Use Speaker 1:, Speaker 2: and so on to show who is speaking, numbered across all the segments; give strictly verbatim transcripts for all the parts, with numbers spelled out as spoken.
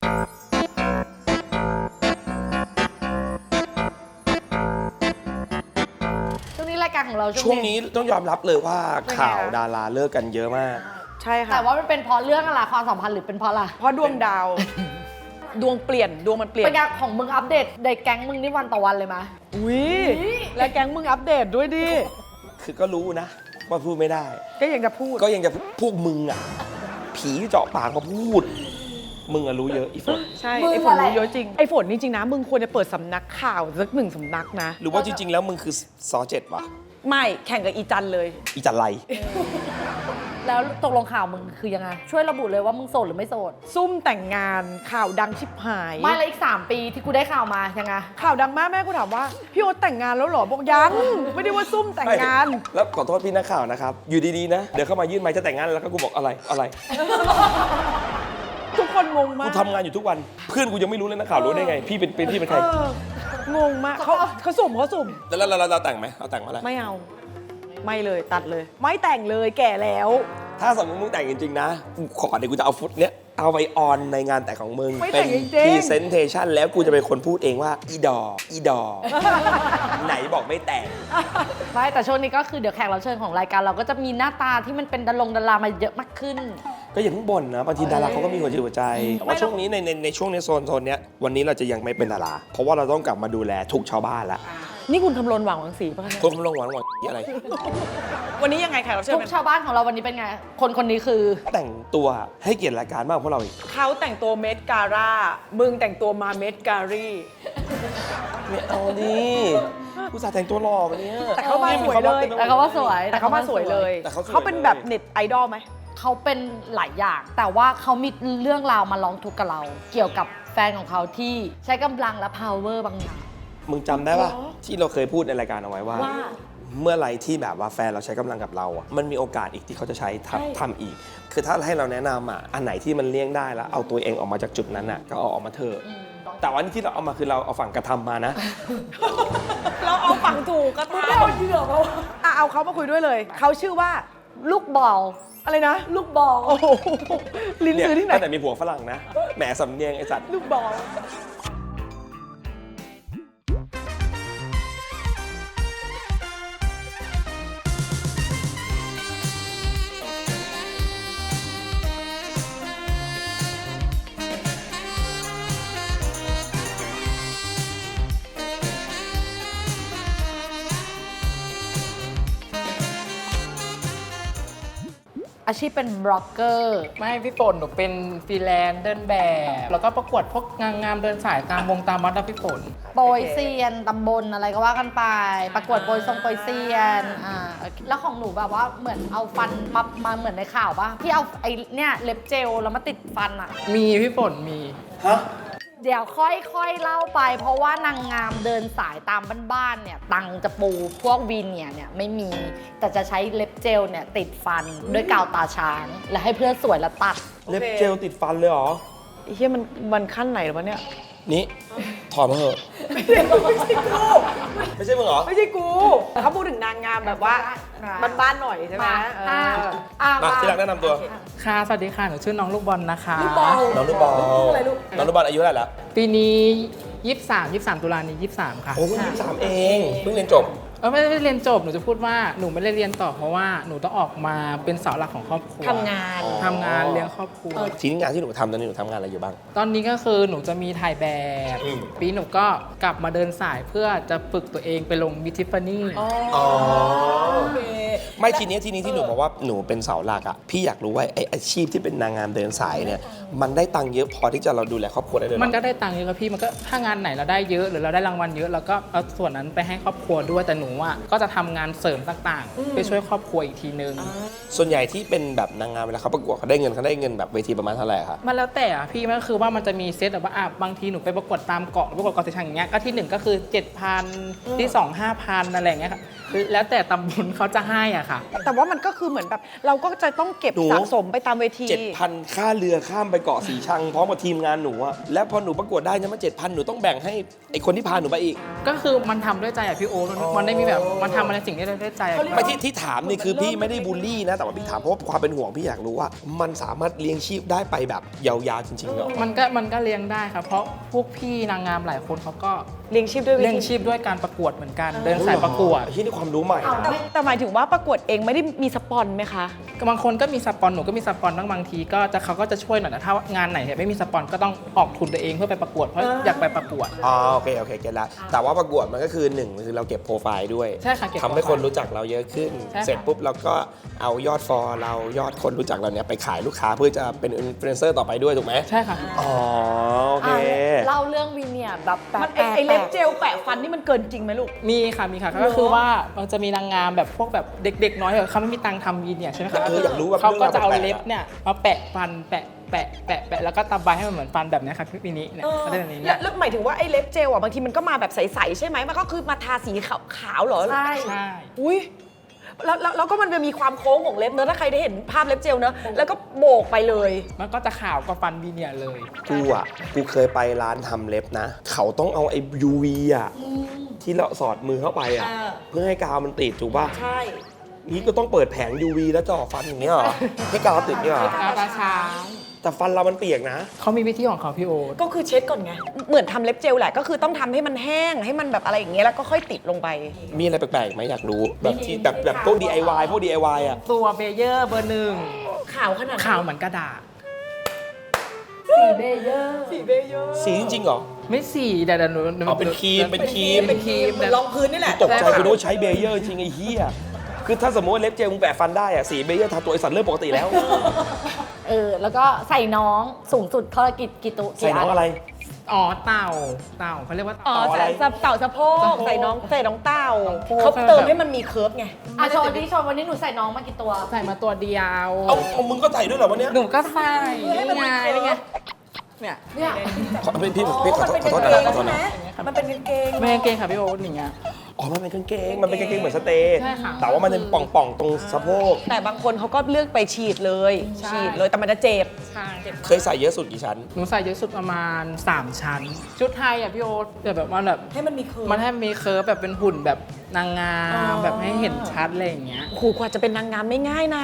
Speaker 1: ช่วงนี้รายการของเรา
Speaker 2: ช่วงนี้ต้องยอมรับเลยว่าข่าวดาราเลิกกันเยอะมาก
Speaker 3: ใช่ค่ะ
Speaker 1: แต่ว่ามันเป็นเพราะเรื่องอะไรความสัมพันธ์หรือเป็นเพราะอะไร
Speaker 3: เพราะดวงดาว ดวงเปลี่ยนดวงมันเปลี่ยน
Speaker 1: เป็นการของมึงอัปเดตในแก๊งมึงนี่วันต่อวันเลยไหม
Speaker 3: อุ้ยและแก๊งมึงอัปเดตด้วยดิ
Speaker 2: คือก็รู้นะว่าพูดไม่ได้
Speaker 3: ก็ยังจะพูด
Speaker 2: ก็ยังจะพวกมึงอ่ะผีเจาะปากมาพูดมึงอะรู้เยอะอีฝน
Speaker 3: ใช่ไอ้ฝนรู้เยอะจริงไอ้ฝนนี่จริงนะมึงควรจะเปิดสำนักข่าวสักหนึ่งสำนักนะ
Speaker 2: หรือว่าจริงๆแล้วมึงคือซอเจ็ดวะ
Speaker 3: ไม่แข่งกับอีจันเลย
Speaker 2: อีจันไร
Speaker 1: แล้วตกลงข่าวมึงคือยังไงช่วยระบุเลยว่ามึงโสดหรือไม่โสด
Speaker 3: ซุ่มแต่งงานข่าวดังชิบหาย
Speaker 1: ไม่แล้วอีกสามปีที่กูได้ข่าวมายังไง
Speaker 3: ข่าวดังมากแม่กูถามว่าพี่โอ๊ตแต่งงานแล้วเหรอบอกยังไม่ได้ว่าซุ่มแต่งงาน
Speaker 2: แล้วขอโทษพี่นักข่าวนะครับอยู่ดีๆนะเดี๋ยวเข้ามายื่นไมค์จะแต่งงานแล้วก็กูบอกอะไรอะไร
Speaker 3: ทุกคนงงมาก
Speaker 2: กูทำงานอยู่ทุกวันเพื่อนกูยังไม่รู้เลยนักข่าวรู้ได้ไงพี่เป็นพี่เป็นใครง
Speaker 3: งมากเขาเขาสุ่มเขาสุ่ม
Speaker 2: แล้วเราเราแต่งไหมเราแต่งมาแล้ว
Speaker 3: ไม่เอาไม่เลยตัดเลยไม่แต่งเลยแก่แล้ว
Speaker 2: ถ้าสมมติมึงแต่งจริงๆนะกูขอเดี๋ยวกูจะเอาฟุตเนี้ยเอาไปออนในงานแต่งของมึง
Speaker 3: เป็น
Speaker 2: พรีเซนเทชันแล้วกูจะเป็นคนพูดเองว่าอีดออีดอไหนบอกไม่แต่ง
Speaker 1: ไม่แต่ช่วงนี้ก็คือเดี๋ยวแขกรับเชิญของรายการเราก็จะมีหน้าตาที่มันเป็นดารงดารามาเยอะมากขึ้น
Speaker 2: ก็อย่าเพิ่งบ่นนะบางทีดาราเขาก็มีหัวใจหัวใจแต่ว่าช่วงนี้ในในในช่วงในโซนโซนเนี้ยวันนี้เราจะยังไม่เป็นดาราเพราะว่าเราต้องกลับมาดูแลทุกชาวบ้านละ
Speaker 3: นี่คุณคำรณหวังหวังสีป่ะคะ
Speaker 2: คุณคำรณหวังหวังอะไร
Speaker 3: วันนี้ยังไงแขกรับเชิญ
Speaker 1: ทุกชาวบ้านของเราวันนี้เป็นไงคนคนนี้คือ
Speaker 2: แต่งตัวให้เกียรติรายการมากพวกเราอีก
Speaker 3: เขาแต่งตัวเมดการ่ามึงแต่งตัวมาเมดการี
Speaker 2: ไม่เอาดิกูสาแต่งตัวหล่อวันนี้
Speaker 3: แต่เขามาสวยเลย
Speaker 1: แต่เขาว่าสวย
Speaker 3: แต่เขามาสวยเลยเขาเป็นแบบเน็ตไอดอลไหม
Speaker 1: เขาเป็นหลายอย่างแต่ว่าเขามีเรื่องราวมาร้องทุกข์กับเราเกี่ยวกับแฟนของเขาที่ใช้กำลังและ power บางอย่าง
Speaker 2: มึงจำได้ป่ะที่เราเคยพูดในรายการเอาไว้ว่าเมื่อไรที่แบบว่าแฟนเราใช้กำลังกับเราอ่ะมันมีโอกาสอีกที่เขาจะใช้ทำทำอีกคือถ้าให้เราแนะนำอ่ะอันไหนที่มันเลี่ยงได้แล้วเอาตัวเองออกมาจากจุดนั้นอ่ะก็เอาออกมาเถอะแต่วันนี้ที่เราเอามาคือเราเอาฝั่งกระทำมานะ
Speaker 3: เราเอาฝั่งถูกกระทำเอาเหยื่อเขาเอาเขามาคุยด้วยเลยเขาชื่อว่า
Speaker 1: ลูกบอล
Speaker 3: อะไรนะ
Speaker 1: ลูกบอล
Speaker 3: โอ้โหลิ้นซื้อที่ไหน
Speaker 2: แต่มีผัวฝรั่งนะแหมสำเนียงไอ้สัตว์
Speaker 3: ลูกบอล
Speaker 1: อาชีพเป็นบล็อกเกอร์
Speaker 4: ไม่พี่ฝนหนูเป็นฟรีแลนซ์เดินแบบแล้วก็ประกวดพวกงานงามเดินสายตามวงตามวัดนะพี่ฝน
Speaker 1: โปรยเซียนตำบลอะไรก็ว่ากันไปประกวดโปรยทรงโปรยเซียนอ่าแล้วของหนูแบบว่าเหมือนเอาฟันมามาเหมือนในข่าวป่ะที่เอาไอ้เนี่ยเล็บเจลแล้วมาติดฟันอ่ะ
Speaker 4: มีพี่ฝนมี
Speaker 2: ฮะ
Speaker 1: เดี๋ยวค่อยๆเล่าไปเพราะว่านางงามเดินสายตามบ้านๆเนี่ยตังจะปูพวกวีเนียเนี่ยไม่มีแต่จะใช้เล็บเจลเนี่ยติดฟันด้วยกาวตาช้างและให้เพื่อนสวยและตัด
Speaker 2: เล็บเจลติดฟันเลยเหรอ
Speaker 3: ไอ้เหี้ยมันมันขั้นไหนหรอวะเนี่ย
Speaker 2: นี่ถอดมาเถอะ
Speaker 3: ไม่ใช่กู
Speaker 2: ไม่ใช่มึงเหรอ
Speaker 3: ไม่ใช่กูเขาพูดถึงนางงามแบบว่าบ้านๆหน่อยใช่ไหม
Speaker 2: มาที่รักแนะนำตัว
Speaker 4: ค่ะสวัสดีค่ะหนูชื่อน้องลูกบอลนะคะ
Speaker 1: ลูกบอล
Speaker 2: น้องลูกบอลน้องลูกบอลอายุเท่าไหร่แล้ว
Speaker 4: ปีนี้ยี่สิบสาม ยี่สิบสามตุลานี้ยี่สิบสามค่ะ
Speaker 2: โอ้ยี่สิบสามเองเพิ่งเรียนจบ
Speaker 4: เออไม่ได้เรียนจบหนูจะพูดว่าหนูไม่ได้เรียนต่อเพราะว่าหนูต้องออกมาเป็นเสาหลักของครอบครัว
Speaker 3: ทำงาน
Speaker 4: ทำงานเลี้ยงครอบครัว
Speaker 2: ทีนี้งานที่หนูทำตอนนี้หนูทำงานอะไรอยู่บ้าง
Speaker 4: ตอนนี้ก็คือหนูจะมีถ่ายแบบปีหนูก็กลับมาเดินสายเพื่อจะฝึกตัวเองไปลงมิทิฟฟานี่
Speaker 2: อ๋อไม่ทีนี้ทีนี้ที่หนูบอกว่าหนูเป็นเสาหลักอ่ะพี่อยากรู้ว่าไออาชีพที่เป็นนางงามเดินสายเนี่ยมันได้ตังค์เยอะพอที่จะเราดูแลครอบครัวได้เลย
Speaker 4: มันก็ได้ตังค์เยอะครับพี่มันก็ถ้างานไหนเราได้เยอะหรือเราได้รางวัลเยอะเราก็เอาส่วนนั้นไปให้ครอบครัวด้วยแต่หนูอ่ะก็จะทำงานเสริมต่างๆไปช่วยครอบครัวอีกทีนึง
Speaker 2: ส่วนใหญ่ที่เป็นแบบนางงามเวลาเขาประกวดเขาได้เงินเขาได้เงินแบบเวทีประมาณเท่าไหร่ครับ
Speaker 4: มันแล้วแต่อ่ะพี่มันก็คือว่ามันจะมีเซตแบบว่าอ่ะบางทีหนูไปประกวดตามเกาะประกวดเกาะสีชังอย่างเงี้ยก็ที่หนึ่งก็คือ เจ็ดพัน ที่สอง ห้าพัน อะไรอย่างเงี้ยค่ะแล้วแต่ตำบลเขาจะให้อ่ะค่ะ
Speaker 3: แต่ว่ามันก็คือเหมือนแบบเราก็จะต้องเก็บสะสมไปตามเวที
Speaker 2: เจ็ดพัน ค่าเรือข้ามไปไปเกาะสีชังพร้อมกับทีมงานหนูอะแล้วพอหนูประกวดได้เนี่ยมาเจ็ดพันหนูต้องแบ่งให้ไอคนที่พาหนูไปอีก
Speaker 4: ก็คือมันทำด้วยใจอะพี่โอ๊ตมันมันได้มีแบบมันทำอะไรสิ่งที่ได้ด้วยใจอะ
Speaker 2: ไม่ที่ที่ถามนี่คือพี่ไม่ได้บูลลี่นะแต่ว่าพี่ถามเพราะว่าความเป็นห่วงพี่อยากรู้ว่า มันสามารถเลี้ยงชีพได้ไปแบบยาวๆจริงๆเหรอ
Speaker 4: มันก็มันก็เลี้ยงได้ครับเพราะพวกพี่นางงามหลายคนเขาก็
Speaker 3: เลี้ยงชีพด้วยวิ
Speaker 4: เลี้ยง
Speaker 3: ธี
Speaker 4: ชีพด้วยการประกวดเหมือนกัน เดินสายประกวด
Speaker 2: ที่นี่ความรู้ใหม่
Speaker 3: แต่
Speaker 2: นะ
Speaker 3: แต่หมายถึงว่าประกวดเองไม่ได้มีสปอนไหมคะ
Speaker 4: บางคนก็มีสปอนหนูก็มีสปอนบางบางทีก็จะเขาก็จะช่วยหน่อยแต่ถ้างานไหนเนี่ยไม่มีสปอนก็ต้องออกทุนตัวเองเพื่อไปประกวดเพราะอยากไปประกวด
Speaker 2: อ๋อโอเคโอเคเก็ตละแต่ว่าประกวดมันก็คือหนึ่งคือเราเก็บโปรไฟล์ด้วย
Speaker 4: ใช่ค่ะเก็บ
Speaker 2: ทำให้คนรู้จักเราเยอะขึ้น
Speaker 4: ใช่ค่ะ
Speaker 2: เสร็จปุ๊บเราก็เอายอดฟอลเรายอดคนรู้จักเราเนี่ยไปขายลูกค้าเพื่อจะเป็นอินฟลูเอนเซอร์ต่อไปด้วยถูกไหม
Speaker 4: ใช่ค่ะ
Speaker 2: อ๋อโอเค
Speaker 1: อ่ะเล่าเรื่องวินเนี่ยแบบแป
Speaker 3: มัน
Speaker 1: ล
Speaker 3: ไอ้
Speaker 1: กๆ
Speaker 3: ไอ้เล็บเจลแปะฟันนี่มันเกินจริงไหมลูก
Speaker 4: มีค่ะมีค่ะก็คือว่ามันจะมีนางงามแบบพวกแบบเด็กๆน้อยเหรอเขาไม่มีตังค์ทำวีเนี่ยใช่ไหมคะ
Speaker 2: เอออยากรู้แบบ
Speaker 4: เขาก็จะเอา
Speaker 2: เรื่องราวแปลกๆ
Speaker 4: เล็บเนี่ยมาแปะฟันแปะแปะแปะแปะแล้วก็ตำใบให้มันเหมือนฟันแบบเนี้ยค่ะพี่ปีนี้เนี่ยก็ได้แบบนี้
Speaker 3: แล้
Speaker 4: เนี่
Speaker 3: วย แล้วหมายถึงว่าไอ้เล็บเจลอ่ะบางทีมันก็มาแบบใสๆใช่ไหมมันก็คือมาทาสีขาวขาวๆเหรอ
Speaker 1: ใช่
Speaker 4: ใช่
Speaker 3: อุ้ยแล้วแล้วแล้วก็มันจะมีความโค้งของเล็บเนอะถ้าใครได้เห็นภาพเล็บเจลเนอะแล้วก็โบกไปเลย
Speaker 4: มันก็จะขาวกว่าฟันวีเนี่ยเลย
Speaker 2: กูอ่ะกูเคยไปร้านทำเล็บนะ เขาต้องเอาไอ้ ยู วี อ่ะที่เราสอดมือเข้าไปอ่ะ
Speaker 3: อ่า
Speaker 2: เพื่อให้กาวมันติดถูกป่ะ
Speaker 3: ใช่
Speaker 2: นี่ก็ต้องเปิดแผง ยู วี แล้วจ่อฟันอย่างเงี้ยเหรอให้กาวติดเนี่ยเหรอ
Speaker 4: กาวตาช้าง
Speaker 2: แต่ฟันเรามันเปียกนะ
Speaker 4: เขามีวิธีของเขาพี่โอ๊ต
Speaker 3: ก็คือเช็ดก่อนไง เหมือนทำเล็บเจลแหละ ก็คือต้องทำให้มันแห้ง ให้มันแบบอะไรอย่างเงี้ย แล้วก็ค่อยติดลงไป
Speaker 2: มีอะไรแปลกๆไหมอยากรู้ แบบที่แบบแบบพวก ดี ไอ วาย พวก ดี ไอ วาย อ่ะ
Speaker 4: ตัวเบเยอร์เบอร์หนึ่ง
Speaker 3: ขาวขนาด
Speaker 4: ขาวเหมือนกระดาษ
Speaker 1: สีเบเยอร์
Speaker 3: สีเบเยอร์
Speaker 2: สีจริงๆเหรอ
Speaker 4: ไม่สีเดี๋ยวเดี๋ยวหนูห
Speaker 2: อ๋อเป็นครีมเป็นครีม
Speaker 3: เป็นครีมเหมือนรองพื้นนี่แหละ
Speaker 2: ตกใจคุณว่าใช้เบเยอร์จริงไอ้เหี้ยคือถ้าสมมติว่าเล็บเจลมึงแปะฟันได้อ่ะสีเบเยอร์ทาตัวไอสัตว์เริ่มปกติแล้ว
Speaker 1: เออแล้วก็ใส่น้องสูงสุดเท่าไหร่กี่กี่ตัว
Speaker 2: ใส่น้องอะไร
Speaker 4: อ๋อเต่าเต่าเขาเรียกว่า
Speaker 3: อ๋อ
Speaker 4: เต่า
Speaker 3: ใส่
Speaker 2: อะไร
Speaker 3: เต่าสะโพก
Speaker 4: สะโพก
Speaker 3: ใส่น้องใส่น้องเต่า
Speaker 4: สะโพก
Speaker 3: เขาเติมให้มันมีเคิร์ฟไง
Speaker 1: อ่ะโชว์ดิโชว์วันนี้หนูใส่น้องมากี่ตัว
Speaker 4: ใส่มาตัวเดียว
Speaker 2: เอาเอามึงก็ใส่ด้วยเหรอวันเนี้ย
Speaker 4: หนูก็ใส่
Speaker 3: ให้มันมี
Speaker 4: ไง
Speaker 3: เคิร์ฟ
Speaker 4: นี่ไงเนี่ย
Speaker 1: เนี่ย
Speaker 2: ขอพี่พี่พี่ขอ
Speaker 3: มัน
Speaker 2: โทษ
Speaker 3: เป็น
Speaker 2: ขอ
Speaker 3: กาง
Speaker 2: โทษ
Speaker 3: เก
Speaker 2: นะ
Speaker 3: ง
Speaker 2: ขอโทษ
Speaker 3: ใช่ไหม
Speaker 2: นะ
Speaker 3: มันเป็นกางเกง
Speaker 4: ไม่กางเกงค่ะพี่โอ๊ตอย่างเงี้ย
Speaker 2: อ๋อมันเป็นกางเกงมันเป็นกางเกงเหมือนสเตย์
Speaker 4: ใช่ค่ะ
Speaker 2: แต่ว่ามันเป็นป่องๆตรงสะโพก
Speaker 3: แต่บางคนเขาก็เลือกไปฉีดเลย
Speaker 4: ใช่
Speaker 3: ฉีดเลยแต่มันจะเจ็บ
Speaker 4: ใช่
Speaker 2: เคยใส่เยอะสุดกี่ชั้น
Speaker 4: หนูใส่เยอะสุดประมาณ สาม ชั้น ชุดไทยอ่ะพี่โอ๊ตแต่แบบมันแบบ
Speaker 3: ให้มันมีเคิร์ฟ
Speaker 4: มันให้มีเคิร์ฟแบบเป็นหุ่นแบบนางงา
Speaker 3: อ๋
Speaker 4: ม
Speaker 3: อ
Speaker 4: แบบให้เห็นชัดอะไรอย่างเงี้ย
Speaker 3: โอ้โหกว่าจะเป็นนางงามไม่ง่ายนะ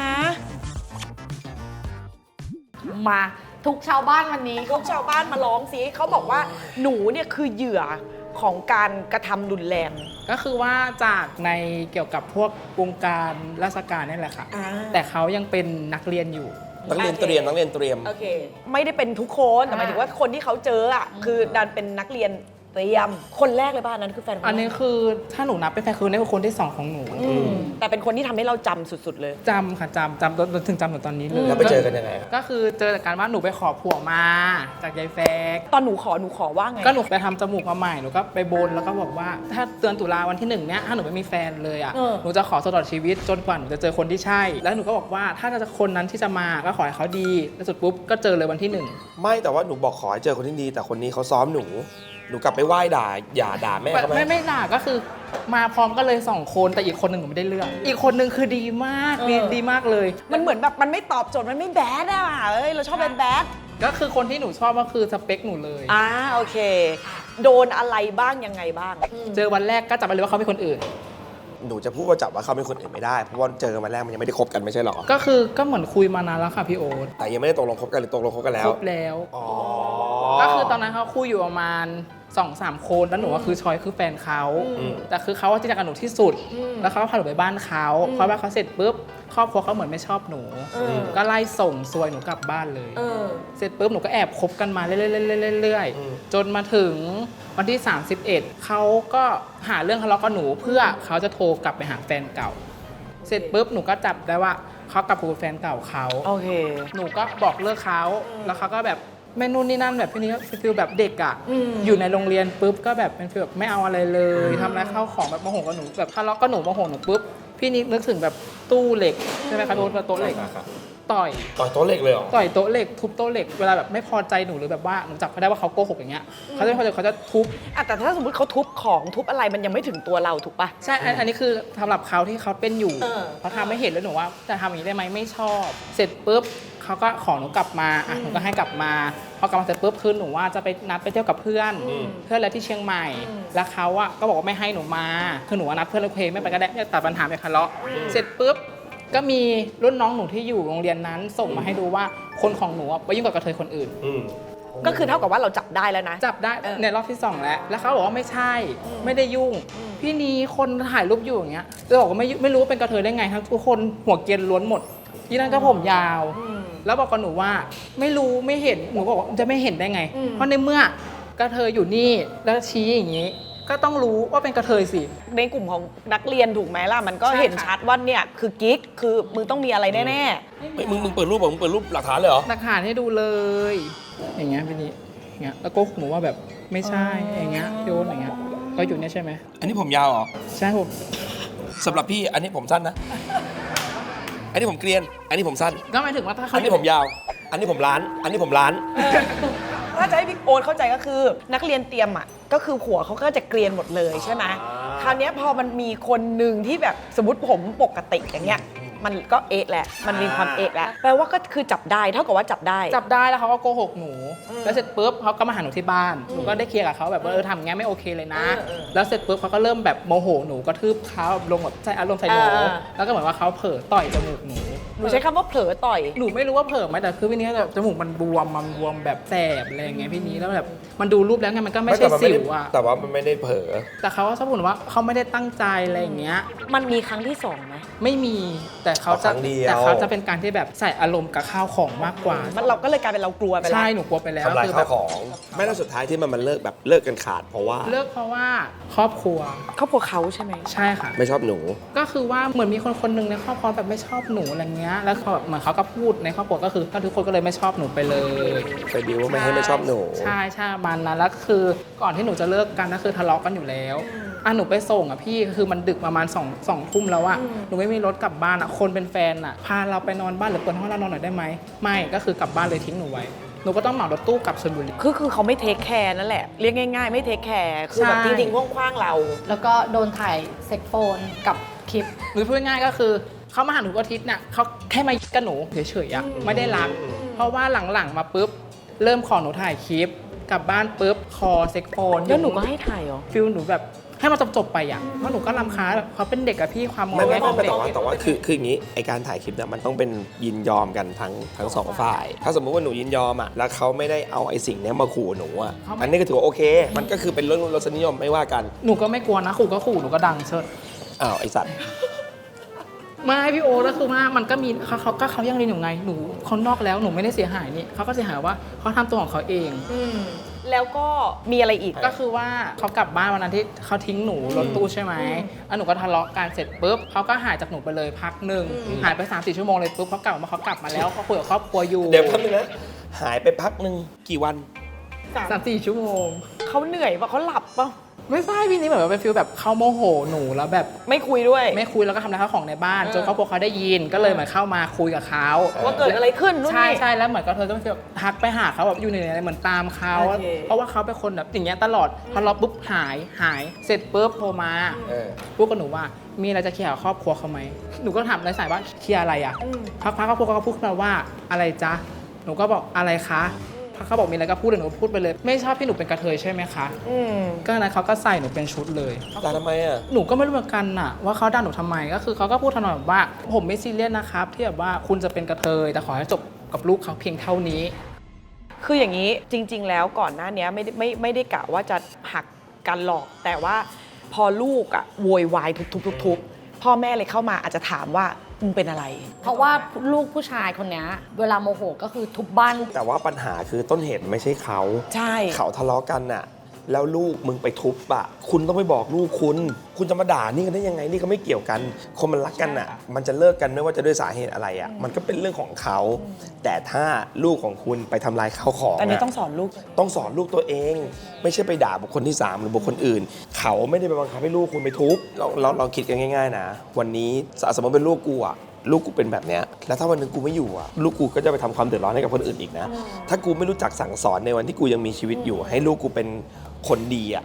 Speaker 1: มาทุกชาวบ้านวันนี้
Speaker 3: พวกชาวบ้านมาร้องสิเขาบอกว่าหนูเนี่ยคือเหยื่อของการกระทำรุนแรง
Speaker 4: ก็คือว่าจากในเกี่ยวกับพวกวงการราชการนี่แหละค่ะ
Speaker 3: อ่า
Speaker 4: แต่เขายังเป็นนักเรียนอยู่
Speaker 2: นักเรียนเตรียมนักเรียนเตรียม
Speaker 3: โอเค ไม่ได้เป็นทุกคนแต่หมายถึงว่าคนที่เขาเจออ่ะคือดันเป็นนักเรียนเตรียม คนแรกเลยป่ะอันนั้นคือแฟนค
Speaker 4: อันนี้คือถ้าหนูนับเป็นแฟนคือนี่คือคนที่สองของหนู
Speaker 3: อืมแต่เป็นคนที่ทำให้เราจำสุดๆเลย
Speaker 4: จำค่ะจำจำจนถึงจำถึงตอนนี้เลย
Speaker 2: แล้วไปเจอกันยังไงครับ
Speaker 4: ก็คือเจอจากการว่าหนูไปขอผัวมาจากยายแฟก
Speaker 3: ตอนหนูขอหนูขอว่าไง
Speaker 4: ก็หนูไปทำจมูกมาใหม่หนูก็ไปบนแล้วก็บอกว่า ถ้าเดือนตุลาวันที่หนึ่งเนี้ยถ้าหนูไม่มีแฟนเลยอ่ะ
Speaker 3: เออ
Speaker 4: หนูจะขอตลอดชีวิตจนกว่าหนูจะเจอคนที่ใช่ แล้วหนูก็บอกว่าถ้าจะคนนั้นที่จะมาก็ขอให้เขาดีแล้วสุดปุ๊บก็เจอเลยวันที่หนึ่ง
Speaker 2: ไม่แต่ว่าหนูบอกขอให้เจอคนที่ดี แต่คนนี้เขาซ้อมหนู หนูกลับไปไหว้ด่าอย่าด่าแม่เขาไหม
Speaker 4: ไม่ไม่ด่าก็คือมาพร้อมกันเลยสองคนแต่อีกคนหนึ่งหนูไม่ได้เลือกอีกคนหนึ่งคือดีมากดีดีมากเลย
Speaker 3: มันเหมือนแบบมันไม่ตอบโจทย์มันไม่แบดอ่ะเอ้ยเราชอบแบดแบด
Speaker 4: ก็คือคนที่หนูชอบก็คือสเปคหนูเลย
Speaker 3: อ่าโอเค โดนอะไรบ้างยังไงบ้าง
Speaker 4: เจอวันแรกก็จับไปเลยว่าเขาเป็นคนอื่น
Speaker 2: หนูจะพูดว่าจับว่าเขาเป็นคนอื่นไม่ได้ เพราะว่าเจอกันวันแรกมันยังไม่ได้คบกันไม่ใช่หรอ
Speaker 4: ก็คือก็เหมือนคุยมานานแล้วค่ะพี่โอ๊ต
Speaker 2: แต่ยังไม่ได้ตกลงคบกันหรือตกลงคบกันแล้
Speaker 4: คว รบแล้ว
Speaker 2: อ๋อ
Speaker 4: ก็คือตอนนั้นเขาคุยอยู่ประมาณสองสามคนแล้วหนูก็คือชอยคือแฟนเขาแต่คือเขาว่าที่รักกับหนูที่สุด แล้วเขาก็พาหนูไปบ้านเขาพอบ้านเขาเสร็จปุ๊บครอบครัวเขาเหมือนไม่ชอบหนู ก็ไล่ส่งซวยหนูกลับบ้านเลย
Speaker 3: เออ
Speaker 4: เสร็จปุ๊บหนูก็แอบคบกันมาเรื่อยๆๆๆๆจนมาถึงวันที่ สามสิบเอ็ดเขาก็หาเรื่องทะเลาะกับหนูเพื่อเขาจะโทรกลับไปหาแฟนเก่า เสร็จปุ๊บหนูก็จับได้ว่าเขากลับกับแฟนเก่าเขา
Speaker 3: โอเค
Speaker 4: หนูก็บอกเลิกเขาแล้วเขาก็แบบไม่นู่นนี่นั่นแบบพี่นี้ก็ฟีลแบบเด็กอ่ะ
Speaker 3: อืม
Speaker 4: อยู่ในโรงเรียนปุ๊บก็แบบเป็นฟีลแบบไม่เอาอะไรเลยทำอะไรเข้าของแบบโมโหกับหนูแบบทะเลาะกับหนูโมโหหนูปุ๊บพี่นิกนึกถึงแบบตู้เหล็กใช่ไหมคะโต๊ะโต๊ะเหล็กต่อย
Speaker 2: ต่อยโต๊ะเหล็กเลยเหรอ
Speaker 4: ต่อยโต๊ะเหล็กทุบโต๊ะเหล็กเวลาแบบไม่พอใจหนูหรือแบบว่าหนูจับเขาได้ว่าเขาโกหกอย่างเงี้ยเขาจะไม่พอใจเขาจะทุบ
Speaker 3: อ่ะแต่ถ้าสมมติเขาทุบของทุบอะไรมันยังไม่ถึงตัวเราถูกปะ
Speaker 4: ใช่อันอันนี้คือสำหรับเขาที่เขาเป็นอยู่
Speaker 3: เออ
Speaker 4: เขาทำไม่เห็นแล้วหนูว่าจะทำอย่างนี้ได้ไหมไม่ชอบ เสร็จปุ๊บเขาก็ขอหนูกลับมาอ่ะหนูก็ให้กลับมาพอกลับมาเสร็จปุ๊บคือหนูว่าจะไปนัดไปเที่ยวกับเพื่อนเพื่อนอะไรที่เชียงใหม่ แล้วเขาอะก็บอกว่าไม่ให้หนูมาคือหนูว่านัดเพื่อนแล้วเพลงไม่ไปก็ได้ไม่ตัดปัญหาไม่ทะเลาะเสร็จปุ๊บก็มีรุ่นน้องหนูที่อยู่โรงเรียนนั้นส่งมาให้ดูว่าคนของหนูอะไปยุ่งกับกระเทยคนอื่น
Speaker 3: ก็คือเท่ากับว่าเราจับได้แล้วนะ
Speaker 4: จับได้
Speaker 3: เออ
Speaker 4: ในรอบที่สองแล้ว แล้วเขาบอกว่าไม่ใช่ ไม่ได้ยุ่ง พี่นี้คนถ่ายรูปอยู่อย่างเงี้ยจะบอกว่าไม่ไม่รู้ว่าเป็นกระเทยได้ไงทั้งทุกคนหัวเกรียนล้วนหมด ที่นั่นก็ผมยาว แล้วบอกกับหนูว่าไม่รู้ไม่เห็น หนูก็บอกว่าจะไม่เห็นได้ไง เพราะในเมื่อกระเทยอยู่นี่แล้วชี้อย่างนี้ ก็ต้องรู้ว่าเป็นกระเทยสิ
Speaker 3: ในกลุ่มของนักเรียนถูกไหมล่ะมันก็
Speaker 4: ใช่ค่ะ
Speaker 3: เห็นชัดว่าเนี่ยคือกิ๊กคือมึงต้องมีอะไรแน่
Speaker 2: ไม่มึงมึงเปิดรูปเหรอมึงเปิดรูปหลักฐานเลยเหรอ
Speaker 4: หลักฐานให้ดูเลย อย่างเงี้ยพี่นี้อย่างเงี้ย แล้วโก็หนูว่าแบบไม่ใช่ อย่างเงี้ยโยนอย่างเงี้ย ก็อยู่เนี่ยใช่ไหม
Speaker 2: อันนี้ผมยาวเหรอ
Speaker 4: ใช่ผม
Speaker 2: สำหรับพี่อันนี้ผมสั้นนะ อันนี้ผมเกรียน อันนี้ผมสั้น
Speaker 4: ก็หมายถึงว่าถ้าเขา
Speaker 2: อันนี้ผมยาว อันนี้ผมล้าน อันนี้ผมล้าน
Speaker 3: ๆถ้าจะให้พี่โอ๊ตเข้าใจก็คือ นักเรียนเตรียมอ่ะก็คือหัวเขาก็จะเกรียนหมดเลยใช่ไหมคราวเนี้ยพอมันมีคนหนึ่งที่แบบสมมติผมปกติอย่างเงี้ยมันก็เอะแหละมันมีความเอะแหละแปลว่าก็คือจับได้เท่ากับว่าจับได้
Speaker 4: จับได้แล้วเขาก็โกหกหนู แล้วเสร็จปุ๊บเขาก็มาหาหนูที่บ้าน หนูก็ได้เคลียร์กับเขาแบบว่าเออทำอย่างเงี้ยไม่โอเคเลยนะ แล้วเสร็จปุ๊บเขาก็เริ่มแบบโมโหหนูกระทืบเขาลงแบบใส่อารมณ์ใส่หนู
Speaker 3: เออ
Speaker 4: แล้วก็เหมือนว่าเขาเผลอต่อยจมูกหนู
Speaker 3: หนูใช้คำว่าเผลอต่อย
Speaker 4: หนูไม่รู้ว่าเผลอไหมแต่คือพี่นี้แบบจมูกมันบวมมันบวมแบบแสบอะไรอย่างเงี้ยพี่นี้แล้วแบบมันดูรูปแล้วไงมันก็ไม่ใช่สิวอะ
Speaker 2: แต่ว่ามันไม่ได้เผลอ
Speaker 4: แต่เขาก็ชอบพูดว่าเขาไม่ได้ตั้งใจอะไรอย่างเงี้ย
Speaker 3: มันมีครั้งที่สองไหม
Speaker 4: ไม่มีแต่เขาจะ
Speaker 2: ครั้งเดียว
Speaker 4: แต่เขาจะเป็นการที่แบบใส่อารมณ์กับข้าวของมากกว่า
Speaker 3: มันเราก็เลยกลายเป็นเรากลัวไปแล้ว
Speaker 4: ใช่หนูกลัวไปแล้ว
Speaker 2: ทำลาย
Speaker 4: คือ
Speaker 2: ข้า
Speaker 4: แบ
Speaker 2: ว
Speaker 4: บ
Speaker 2: ของ ไม่แล้วสุดท้ายที่มันมันเลิกแบบเลิกกันขาดเพราะว่า
Speaker 4: เลิกเพราะว่าครอบครัว
Speaker 3: ครอบครัวเขาใช่ไหม
Speaker 4: ใช่ค่ะ
Speaker 2: ไม่ชอบหนู
Speaker 4: ก็คือว่าเหมือนมีคนคนหนึ่งในครอบครัวแบบไม่ชอบหนูอะไรเงี้ยแล้วเขาแบบเหมือนเขาก็พูดในครอบครัวก็คือทุกคนก็เลยไม่ชอบหนูไปเลย
Speaker 2: ไปบิวว่าไม่ให้ไม่ชอบหนู
Speaker 4: ใช่ใช่มันนะแล้วคือก่อนที่หนูจะเลิกกันก็คือทะเลาะกันอยู่แล้วอ่ะหนูไปส่งอ่ะพี่คือมันดึกประมาณสองสองทุ่มแล้วอะหนูไม่มีรถกลับบ้านอะคนเป็นแฟนอะพาเราไปนอนบ้านหรือเปิดห้องเรานอนหน่อยได้ไหมไม่ก็คือกลับบ้านเลยทิ้งหนูไว้หนูก็ต้องเหมารถตู้กลับชลบุรี
Speaker 3: คือคือเขาไม่เทคแคร์นั่นแหละเรียกง่ายๆ ไม่เทคแคร์คือแบบ
Speaker 4: ใช่
Speaker 3: จริงๆคว้างๆเรา
Speaker 1: แล้วก็โดนถ่ายเซ็กโฟนกับคลิป
Speaker 4: หรือพูดง่ายๆก็คือเขามาหาหนูอาทิตย์เนี่ยเขาแค่มากับหนูเฉยๆอะไม่ได้รัก เพราะว่าหลังๆมาปุ๊บเริ่มขอหนูถ่ายคลิปกลับบ้านปุ๊บคอเซ็กโฟน
Speaker 3: แล้วหนูก็ให้ถ่ายเหรอ
Speaker 4: ฟิลหนูแบบให้มันจบๆไปอ่ะเพราะหนูก็รำคาญแบบเขาเป็นเด็กอะพี่ความมอง
Speaker 2: ไม่ไม่
Speaker 4: แง่ข
Speaker 2: ไม่
Speaker 4: อง
Speaker 2: ไม่
Speaker 4: เด็ก
Speaker 2: แต่ว่าแต่ว่าคือคืออย่างนี้ไอการถ่ายคลิปเนี่ยมันต้องเป็นยินยอมกันทั้งทั้งสองฝ่าย ถ้าสมมุติว่าหนูยินยอมอ่ะแล้วเขาไม่ได้เอาไอสิ่งเนี้ยมาขู่หนูอ่ะอันนี้ก็ถือว่าโอเค มันก็คือเป็นเรื่องรสนิยมไม่ว่ากัน
Speaker 4: หนูก็ไม่กลัวนะขู่ก็ขู่หนูก็ดังเชิด
Speaker 2: อ้าวไอสัตว์
Speaker 4: ไม่พี่โอ๊ตก็คือว่ามันก็มีเขาเขาก็เขายังเรียนอยู่ไงหนูเขานอกแล้วหนูไม่ได้เสียหายนี่เขาก็เสียหายว่าเขาทำตัวของเขาเอง
Speaker 3: แล้วก็มีอะไรอีก
Speaker 4: ก็คือว่าเขากลับบ้านวันนั้นที่เขาทิ้งหนูรถตู้ใช่ไหมแล้วหนูก็ทะเลาะกันเสร็จปุ๊บเขาก็หายจากหนูไปเลยพักหนึ่งหายไปสามสี่ชั่วโมงเลยปุ๊บเขากลับมาเขากลับมาแล้วเขาคุยกับครอบครัวอยู่
Speaker 2: เดี๋ยวพักนึงนะหายไปพักหนึ่งกี่วัน
Speaker 4: สามสี่ชั่วโมง
Speaker 3: เขาเหนื่อยปะเขาหลับปะ
Speaker 4: ไม่ใช่พี่นี่เหมือนว่าเป็นฟิลแบบเขาโมโหหนูแล้วแบบ
Speaker 3: ไม่คุยด้วย
Speaker 4: ไม่คุยแล้วก็ทำร้ายข้าวของในบ้านจนครอบครัวเขาได้ยินก็เลยเหมือนเข้ามาคุยกับเขา
Speaker 3: ว่าเกิดอะไรขึ้นนู่น
Speaker 4: ใช่
Speaker 3: นี่
Speaker 4: ใช่แล้วเหมือนกับเธอต้องฟีลทักไปหาเขาแบบอยู่ในอะไรเหมือนตามเขา
Speaker 3: โอเค
Speaker 4: เพราะว่าเขาเป็นคนแบบอย่างเงี้ยตลอดพอเราปุ๊บหายหายเสร็จปุ๊บโทรมา
Speaker 2: เออ
Speaker 4: พูดกับหนูว่ามีอะไรจะเคลียร์กับครอบครัวเขาไหมหนูก็ถามในสายว่าเคลียร์อะไรอ่ะพักพักครอบครัวเขาก็พูดขึ้นมาว่าอะไรจ๊ะหนูก็บอกอะไรคะพักเขาบอกมีอะไรก็พูดเลยหนูพูดไปเลย ไม่ชอบที่หนูเป็นกระเทยใช่ไหมคะ
Speaker 3: อืม
Speaker 4: ก็นั้นเขาก็ใส่หนูเป็นชุดเลย
Speaker 2: แต่ทำไมอ่ะ
Speaker 4: หนูก็ไม่รู้เหมือนกันน่ะว่าเขาด่าหนูทำไมก็คือเขาก็พูดทำนองแบบว่าผมไม่ซีเรียสนะครับที่แบบว่าคุณจะเป็นกระเทยแต่ขอให้จบกับลูกเขาเพียงเท่านี้
Speaker 3: คืออย่างนี้จริง ๆ แล้วก่อนหน้านี้ไม่ได้ไม่ไม่ได้กะว่าจะหักกันหรอกแต่ว่าพอลูกอะโวยวายทุบๆๆๆพ่อแม่เลยเข้ามาอาจจะถามว่ามึงเป็นอะไร
Speaker 1: เพราะว่าลูกผู้ชายคนเนี้ยเวลาโมโหก็คือทุบบ้าน
Speaker 2: แต่ว่าปัญหาคือต้นเหตุไม่ใช่เขา
Speaker 3: ใช่
Speaker 2: เขาทะเลาะกันน่ะ แล้วลูกมึงไปทุบอ่ะคุณต้องไปบอกลูกคุณ คุณจะมาด่านี่กันได้ยังไงนี่ก็ไม่เกี่ยวกัน คนมันรักกันอ่ะ มันจะเลิกกันไม่ว่าจะด้วยสาเหตุอะไรอ่ะ มันก็เป็นเรื่องของเขา แต่ถ้าลูกของคุณไปทำลายข้าวของ
Speaker 3: อันนี้
Speaker 2: ะ
Speaker 3: ต้องสอนลูก
Speaker 2: ต้องสอนลูกตัวเอง ไม่ใช่ไปด่าบุคคลที่สามหรือบุคคลอื่น เขาไม่ได้ไปบังคับให้ลูกคุณไปทุบเราเราเราคิดกันง่ายๆนะวันนี้สมมติเป็นลูกกูอ่ะลูกกูเป็นแบบเนี้ยแล้วถ้าวันหนึงกูไม่อยู่อ่ะลูกกูก็จะไปทำความเดือดร้อนให้กับคนอื่นอีกนะ ถ้ากูไม่รู้จักสั่งสอนในวันที่กูยังมีชีวิตอยู่ ให้ลูกกูเป็นคนดีอ่ะ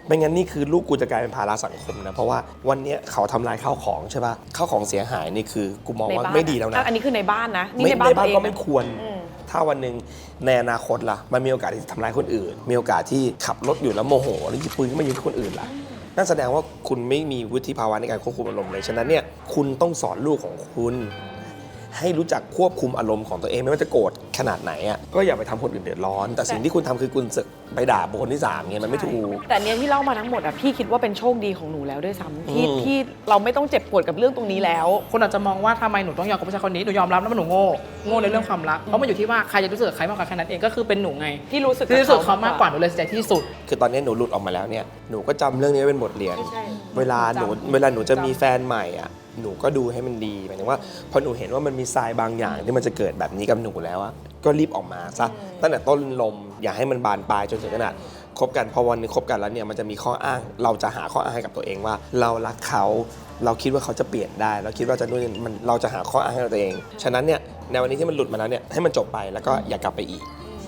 Speaker 2: ไม่งั้นนี่คือลูกกูจะกลายเป็นภาระสังคมนะเพราะว่าวันเนี้ยเขาทำลายข้าวของใช่ป่ะข้าวของเสียหายนี่คือกูมองว่าไม่ดีแล้วนะ
Speaker 3: อันนี้คือในบ้านนะนี่
Speaker 2: ไม่
Speaker 3: ในบ้าน
Speaker 2: ในบ้าน
Speaker 3: ตัวเอง
Speaker 2: ก็ไม่
Speaker 3: นะ
Speaker 2: ควร
Speaker 3: อืม
Speaker 2: ถ้าวันหนึ่งในอนาคตล่ะ มันมีโอกาสที่จะทำร้ายคนอื่น มีโอกาสที่ขับรถอยู่แล้วโมโหแล้วหยิบปืนขึ้นมายิงคนอื่นล่ะ นั่นแสดงว่าคุณไม่มีวุฒิภาวะในการควบคุมอารมณ์เลย ฉะนั้นเนี่ยคุณต้องสอนลูกของคุณ ให้รู้จักควบคุมอารมณ์ของตัวเองไม่ว่าจะโกรธขนาดไหนอ่ะก็อย่าไปทำคนอื่นเดือดร้อน แต่สิ่งที่คุณทำคือคุณสึกไปด่าบุคคลที่สามเงี้ยมันไม่ถูก
Speaker 3: แต่เนี้ยที่เล่ามาทั้งหมดอ่ะพี่คิดว่าเป็นโชคดีของหนูแล้วด้วยซ้ำที่
Speaker 2: อืม
Speaker 3: ที่เราไม่ต้องเจ็บปวดกับเรื่องตรงนี้แล้ว
Speaker 4: คนอาจจะมองว่าทำไมหนูต้องยอมกับผู้ชายคนนี้หนูยอมรับแล้วว่าหนูโง่โง่ในเรื่องความรักเพราะมันอยู่ที่ว่าใครจะรู้สึกกับใครมากกว่าแค่นั้นเองก็คือเป็นหนูไง
Speaker 3: ที่รู้สึก
Speaker 4: ที่รู้สึกเขามากกว่าหนูเลยเสียใจที่สุด
Speaker 2: คือตอนนี้หนูหลุดออกมาแล้วเนี่ยหนูก็จำเรื่องนี้ไว้เป็นบทเรียน
Speaker 3: ใช่
Speaker 2: เวลาหนู
Speaker 4: จำ
Speaker 2: เวลาหนูจะมี
Speaker 4: จำ
Speaker 2: แฟนใหม่อ่ะหนูก็ดูให้มันดีหมายถึงว่าพอหนูเห็นว่ามันมีทรายบางอย่างที่มันจะเกิดแบบนี้กับหนูแล้วอะก็รีบออกมาซะตั้งแต่ต้นลมอย่าให้มันบานปลายจนถึงขนาดคบกันพอวันหนึงคบกันแล้วเนี่ยมันจะมีข้ออ้างเราจะหาข้ออ้างให้กับตัวเองว่า เรารักเขาเราคิดว่าเขาจะเปลี่ยนได้เราคิดว่าจะนู่นนี่มันเราจะหาข้ออ้างให้กับตัวเองฉะนั้นเนี่ยในวันนี้ที่มันหลุดมาแล้วเนี่ยให้มันจบไปแล้วก็อย่ากลับไปอีก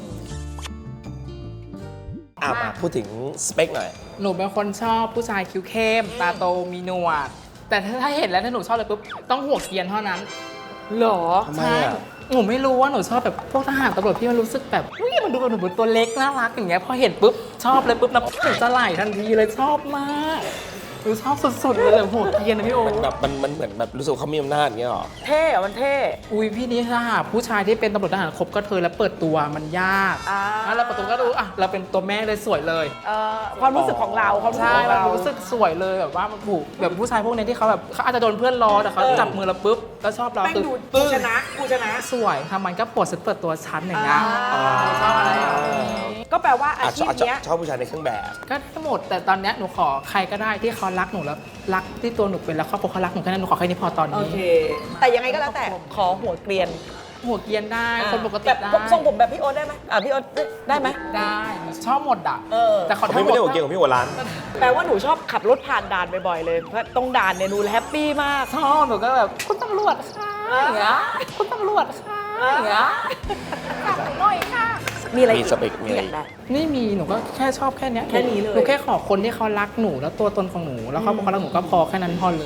Speaker 2: อ่ะมาพูดถึงสเปคหน่อย
Speaker 4: หนูเป็นคนชอบผู้ชายคิ้วเข้มตาโตมีหนวดแต่ถ้าเห็นแล้วถ้าหนูชอบเลยปุ๊บต้องหัวเกรียนเท่านั้น
Speaker 3: หรอ
Speaker 2: ทำไม
Speaker 4: ใช่
Speaker 2: อ่ะ
Speaker 4: หนูไม่รู้ว่าหนูชอบแบบพวกทหารตำรวจที่มันรู้สึกแบบเฮ้ยมันดูแบบหนูเป็นตัวเล็กน่ารักอย่างเงี้ยพอเห็นปุ๊บชอบเลยปุ๊บนะหนูจะไหลทันทีเลยชอบมากหนูชอบสุดๆเลยแบบหัวเกรียนนะพี่โอ
Speaker 2: มันแบบมันมันเหมือนแบบรู้สึกเขามีอำนาจอย่างเงี้ยหรอ
Speaker 3: เท่อะมันเท่
Speaker 4: อุ้ยพี่นี่ถ้าหาผู้ชายที่เป็นตำรวจทหารครบก็เธอแล้วเปิดตัวมันยาก
Speaker 3: อ่า
Speaker 4: แล้วเราเปิดตัวก็รู้อ่ะเราเป็นตัวแม่เลยสวยเลย
Speaker 3: เอ่อความรู้สึกของเราความรู้สึก
Speaker 4: ใช่
Speaker 3: ของ
Speaker 4: มัน
Speaker 3: เรา
Speaker 4: รู้สึกสวยเลยแบบว่ามันผูกแบบผู้ชายพวกนี้ที่เขาแบบเขาอาจจะโดนเพื่อนล้อแต่เขาจับมือเราปุ๊บแล้วชอบเรา
Speaker 3: แม่ง
Speaker 4: คือ
Speaker 3: ดู
Speaker 4: ปึ้ง
Speaker 3: กูชนะกูชนะ
Speaker 4: สวยทำมันก็ปวดสุดเปิดตัวชั้นอย่างเงี้ย
Speaker 3: อ่า
Speaker 4: ชอบอะไรอย่างนี้
Speaker 3: ก็แปลว่าอา
Speaker 2: อาจ
Speaker 3: ชี
Speaker 2: จะ
Speaker 3: พ
Speaker 2: อาจจะ
Speaker 3: เนี้ย
Speaker 2: ชอบผู้ชายในเครื่องแบบ
Speaker 4: ก็ทั้งหมดแต่ตอนเนี้ยหนูขอใครก็ได้ที่เขารักหนูแล้วรักที่ตัวหนูเป็นแล้วครอบครัวเขารักหนูแค่นั้นหนูขอแค่นี้พอตอน
Speaker 3: โอ
Speaker 4: นี้
Speaker 3: เค แต่ยังไงก็แล้วแต่ขอหัวเกรียน
Speaker 4: หัวเกรียนได้คนปกติ
Speaker 3: แบบ
Speaker 4: ได้
Speaker 3: ทรงผมแบบพี่โอ๊ตได้ไหมอ่ะพี่โอ๊ตได้ไหม
Speaker 4: ได้หนูชอบหมดอ่ะ
Speaker 3: เออ
Speaker 4: แต่ขอ
Speaker 2: ผม
Speaker 4: ทั้งหม
Speaker 2: ไม่
Speaker 4: ด
Speaker 2: ได้หัวเกียงของพี่หัวร้าน
Speaker 3: แปลว่าหนูชอบขับรถผ่านด่านบ่อยๆเลยเพราะตรงด่านเนี่ยดูแฮปปี้มาก
Speaker 4: ชอบหนูก็แบบคุณตำรวจค่ะอย่างเงี้ยคุณตำรวจค่ะอย่างเงี้ยจับหน่อยค่ะ
Speaker 3: มีอะไร
Speaker 2: มีสเปคมีอะไร
Speaker 3: อยากได้
Speaker 4: ไม่มีหนูก็แค่ชอบแค่เนี้ย
Speaker 3: แค่นี้เลย
Speaker 4: หนูแค่ขอคนที่เขารักหนูแล้วตัวตนของหนูแล้วเขาบอกเขารักหนูก็พอแค่นั้นพอเลย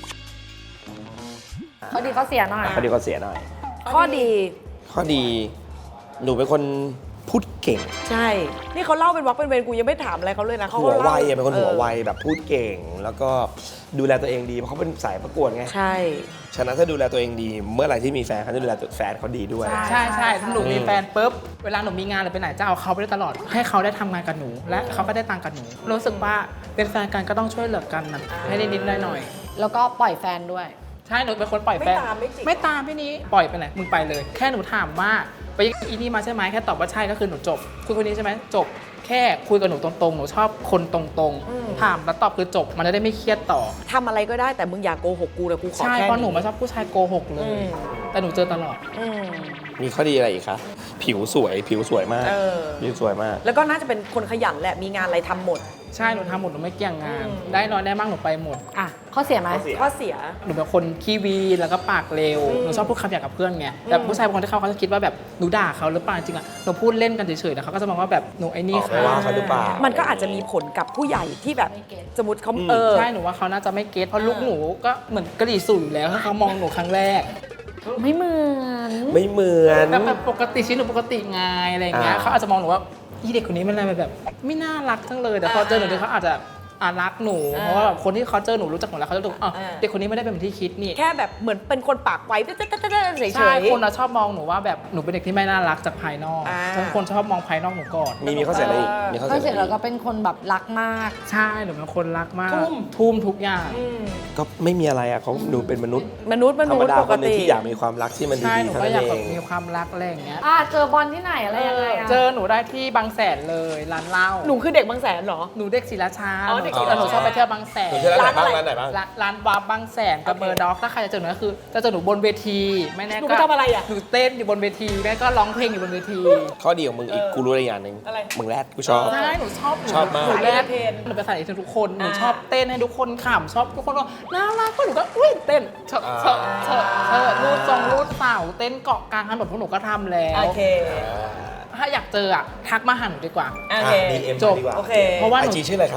Speaker 1: เขาดีเขาเสียหน่อย
Speaker 2: ข้อดีก็เสียหน่อย
Speaker 3: ข้อดี
Speaker 2: ข้อดีหนูเป็นคนพูดเก่ง
Speaker 3: ใช่ นี่เขาเล่าเป็นวักเป็นเวรกูยังไม่ถามอะไรเขาเลยนะเขา
Speaker 2: หัว
Speaker 3: ก็
Speaker 2: ไว
Speaker 3: ล่า
Speaker 2: อะเป็นคนหัวไว
Speaker 3: ออ
Speaker 2: แบบพูดเก่ง แล้วก็ดูแลตัวเองดีเพราะเขาเป็นสายประกวดไง
Speaker 3: ใช่
Speaker 2: ฉะนั้นถ้าดูแลตัวเองดี เมื่อไหร่ที่มีแฟนเขาจะดูแลตัวแฟนเขาดีด้วย
Speaker 4: ใช่ใช่ถ้าหนูมีแฟนปุ๊บเวลาหนูมีงานหรือไปไหนจะเอาเขาไปได้ตลอด ให้เขาได้ทำงานกับหนู และเขาก็ได้ตังค์กับหนูรู้สึกว่าเป็นแฟนกันก็ต้องช่วยเหลือกันนะให้นิดๆหน่อย
Speaker 1: แล้วก็ปล่อยแฟนด้วย
Speaker 4: ๆใช่หนูเป็นคนปล่อยแฟน
Speaker 3: ไม่ตามไม่จิก
Speaker 4: ไม่ตามพี่นี้ปล่อยไปไหนมึงไปเลย แค่หนูถามว่าไปอีนี่มาใช่ไหมแค่ตอบว่าใช่ก็คือหนูจบคุยคนนี้ใช่ไหมจบแค่คุยกับหนูตรงๆหนูชอบคนตรงๆถามแล้วตอบคือจบมันจะได้ไม่เครียดต่อ
Speaker 3: ทำอะไรก็ได้แต่มึงอย่าโกหกกูแต่กูขอ
Speaker 4: ใช่
Speaker 3: แค่
Speaker 4: เพราะหนูไม่ชอบผู้ชายโกหกเล
Speaker 3: อื
Speaker 4: ย
Speaker 3: ม
Speaker 4: แต่หนูเจอตลอด
Speaker 3: อืม
Speaker 2: มีข้อดีอะไรอีกคะผิวสวย ผิวสวยมาก
Speaker 3: เออ
Speaker 2: ผิวสวยมาก
Speaker 3: แล้วก็น่าจะเป็นคนขยันแหละ มีงานอะไรทำหมด
Speaker 4: ใช่หนูทำหมดหนูไม่เกี่ยงงาน
Speaker 3: อืม
Speaker 4: ได้น้อยได้มากหนูไปหมด
Speaker 1: อ่ะข้อเสียไหม
Speaker 2: ข้อเสีย
Speaker 3: ข้อเสีย
Speaker 4: หนูเป็นคนขี้วีนแล้วก็ปากเร็ว
Speaker 3: อืม
Speaker 4: หนูชอบพูดคำหยาบกับเพื่อนไงแต่ผู้ชายบางคนที่เขาเขาจะคิดว่าแบบหนูด่าเขาหรือเปล่าจริงๆอะหนูพูดเล่นกันเฉยๆแต่เขาก็จะมองว่าแบบหนูไอ้นี่
Speaker 2: ออกไป
Speaker 4: ค่ะ
Speaker 2: ว่าเขาหรือเปล่า
Speaker 3: มันก็อาจจะมีผลกับผู้ใหญ่ที่แบบ
Speaker 1: ไม่เก็ต
Speaker 3: สมมติเขา
Speaker 2: อืม
Speaker 3: เออ
Speaker 4: ใช่หนูว่าเขาน่าจะไม่เก็ตเพราะลูกหนูก็เหมือนกระดิ่สู่อยู่แล้วถ้าเขามองหนูครั้งแรก
Speaker 1: ไม่เหมือน
Speaker 2: ไม่เหมือน
Speaker 4: แต่แบบปกติชีวิตหนูปกติไงอะไรอย่างเงี้ย
Speaker 2: อ่า
Speaker 4: เขาอาจจะมองหนูว่าอีเด็กคนนี้มันอะไรแบบ ไม่น่ารักจังเลยแต่พอเจอหนูเดี๋ยวเขาอาจจะอ่ารักหนู
Speaker 3: อ่า
Speaker 4: เพราะว่าแบบคนที่เขาเจอหนูรู้จักหนูแล้วเขาจะดูอ๋อ
Speaker 3: อ่า
Speaker 4: เด็กคนนี้ไม่ได้เป็นเหมือนที่คิดนี่
Speaker 3: แค่แบบเหมือนเป็นคนปากไวเฉยๆ
Speaker 4: ใช่คนเราชอบมองหนูว่าแบบหนูเป็นเด็กที่ไม่น่ารักจากภายนอก
Speaker 3: อ่า
Speaker 4: ทุกคนชอบมองภายนอกหนูก่อน
Speaker 2: มีมีข้อเสียอะไรอีกมีข้อ
Speaker 1: ข้อ
Speaker 2: เสีย
Speaker 1: เสีย
Speaker 2: อะไร
Speaker 1: เรา
Speaker 2: อีก
Speaker 1: ก็เป็นคนแบบรักมาก
Speaker 4: ใช่หนูเป็นคนรักมาก
Speaker 3: ทุ่ม
Speaker 4: ทุ่มทุกอย่าง
Speaker 3: อืม
Speaker 2: ก็ไม่มีอะไรอะเขาหนูเป็นมนุษย์
Speaker 3: มนุษย์ม
Speaker 2: ธร
Speaker 3: นุ
Speaker 2: รม
Speaker 3: ษย์
Speaker 2: ดา
Speaker 3: ป
Speaker 2: ค
Speaker 3: ก
Speaker 2: นหนึง
Speaker 3: ติ
Speaker 2: ที่อยากมีความรักที่มัน
Speaker 4: ใช่
Speaker 2: ดี
Speaker 4: หนู
Speaker 2: ๆเท่า
Speaker 4: ก็
Speaker 2: นั้น
Speaker 4: อยาก
Speaker 2: เอ
Speaker 4: แบบ
Speaker 2: ง
Speaker 4: มีความรักอะไรอย่างเงี้ย
Speaker 1: อ่ะเจอบอลที่ไหนอะไรยังไงอ่ะ
Speaker 4: เจอหนูได้ที่บางแสนเลยร้านเหล้า
Speaker 3: หนูคือเด็กบางแสนเหรอ
Speaker 4: หนูเด็กศรีราชา
Speaker 3: อ๋อเด็กศรี
Speaker 4: แต่
Speaker 3: ราชา
Speaker 4: หนูชอบไปเที่ยวบางแสน
Speaker 2: หนูชื่อร้านไหนบ้าง
Speaker 3: ร้านอะไร
Speaker 2: ร้านไหนบ้าง
Speaker 4: ร้านร้านวาร์ปบางแสนกับ
Speaker 3: โอเค
Speaker 4: เบอร์ด็อกถ้าใครจะเจอหนูก็คือจะเจอหนูบนเวทีไม่แน่
Speaker 3: หนู
Speaker 4: ก็
Speaker 3: ไปทำอะไรอ่ะ
Speaker 4: หนูเต้นอยู่บนเวทีแม่ก็ร้องเพลงอยู่บนเวที
Speaker 2: ข้อดีของมึงอีกกูรู้อะไรอย่างหนึ่ง
Speaker 3: อะไร
Speaker 2: มึงแรดกูชอบ
Speaker 4: ใช่หนูชอบหนู
Speaker 2: ชอบมาก
Speaker 4: หนูแรก
Speaker 3: สายเอนเตอร์เทน
Speaker 4: หนูไปใส่ทุกคนหนู
Speaker 3: อ่า
Speaker 4: ชอบเต้นให้ทุกคนขำชอบทุกคนว่าน่ารักก็หนูก็อุ้ยเต้นเฉอะเฉอะเฉอะเฉอะรูดทรงรูดเสาเต้นเกาะกลางถนนพวกหนูก็ทำแล้ว
Speaker 3: โอเค
Speaker 4: ถ้าอยากเจออะทักมาหาหนูดีกว่า
Speaker 3: โอเค
Speaker 2: ดีเอ็ม
Speaker 4: จบ
Speaker 2: ดีกว่า
Speaker 3: โอเค
Speaker 4: เพราะว่า
Speaker 2: ไอ
Speaker 4: หนู
Speaker 2: จีชื่ออะไรครับ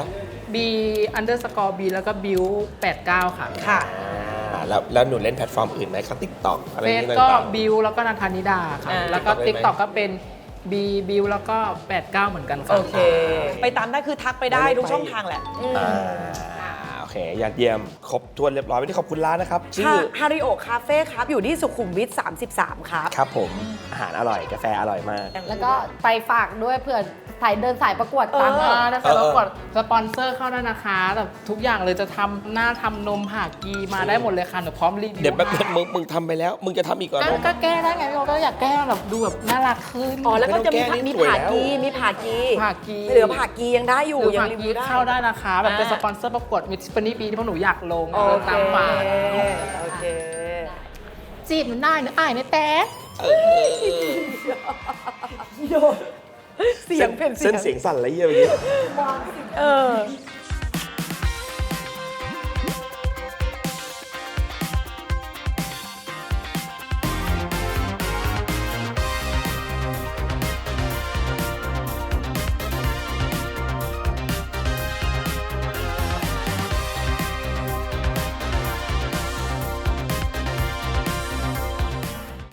Speaker 4: B underscore B แล้วก็ bill แปดเก้าค่ะ
Speaker 3: ค่ะ
Speaker 2: อ่าแล้วแล้วหนูเล่นแพลตฟอร์มอื่นไหมเขาติ๊กต็อกอะไรอ
Speaker 4: เฟ
Speaker 2: ย่าง
Speaker 4: ซ
Speaker 2: นี้
Speaker 4: ก็
Speaker 2: ต่าง
Speaker 4: bill แล้วก็นันทานิดาค่ะ
Speaker 3: อ่า
Speaker 4: แล้วก็
Speaker 2: TikTok ได้ไหม
Speaker 4: TikTok ก็เป็น B bill แล้วก็แปดเก้าเหมือนกันค่ะ
Speaker 3: โอเค ไปตามได้คือทักไปได้ทุกช่องทางแหละ
Speaker 2: ๆอ่าโอเคยอดเยี่ยมครบถ้วนเรียบร้อยวันนี้ขอบคุณร้านนะครับชื่อ
Speaker 3: ฮาริโอคาเฟ่ครับ อยู่ที่สุขุมวิทสามสิบสามครับ
Speaker 2: ครับผมอาหารอร่อยกาแฟอร่อยมาก
Speaker 1: แล้วก็ไปฝากด้วยเผื่อสายเดินสายประกวดตาม
Speaker 3: เอ
Speaker 4: อ่า
Speaker 1: มา
Speaker 4: ถ้า
Speaker 2: เอ
Speaker 4: ใคร
Speaker 2: อ
Speaker 4: ประกวดสปอนเซอร์เข้าได้นะคะแบบทุกอย่างเลยจะทำหน้าทำนมผ่ากีมาได้หมดเลยค่ะหนูพร้อมรีวิว
Speaker 2: เดี๋ยวแป๊บนึ
Speaker 4: ให้
Speaker 2: งมึงมึงทำไปแล้ว มึงจะทำอีกก่อน
Speaker 4: ก็ก็แก้ได้ไงพี่โอก็อยากแก้แบบดูแบบน่ารักขึ้น
Speaker 3: อ๋อ แล้วก็จะมี
Speaker 2: ไม่ต้องแก้นี่
Speaker 3: มี
Speaker 2: สวย
Speaker 3: ผ่า
Speaker 2: แล้ว
Speaker 3: กีมีผ่ากี
Speaker 4: ผ่ากี
Speaker 3: เหลือผ่ากียังได้อยู่
Speaker 4: หรือ
Speaker 3: ยัง
Speaker 4: ผ่า
Speaker 3: รี
Speaker 4: กี
Speaker 3: วิวได้
Speaker 4: เข้าได้นะคะแบบเป็น
Speaker 3: อ่า
Speaker 4: สปอนเซอร์ประกวดมิส f ันนี่ปีที่พวกหนูอยากลง
Speaker 3: โอ
Speaker 4: เดิน
Speaker 3: เค
Speaker 4: ตามป่า
Speaker 3: โอเค
Speaker 4: จีบหนูได้หนูอายในแต่
Speaker 3: เสียงเป็นเสี
Speaker 2: เส้
Speaker 3: ย
Speaker 2: น
Speaker 3: ง
Speaker 2: เสียงสั่นอะไรเงี้ยเมื่อกี้
Speaker 3: เออ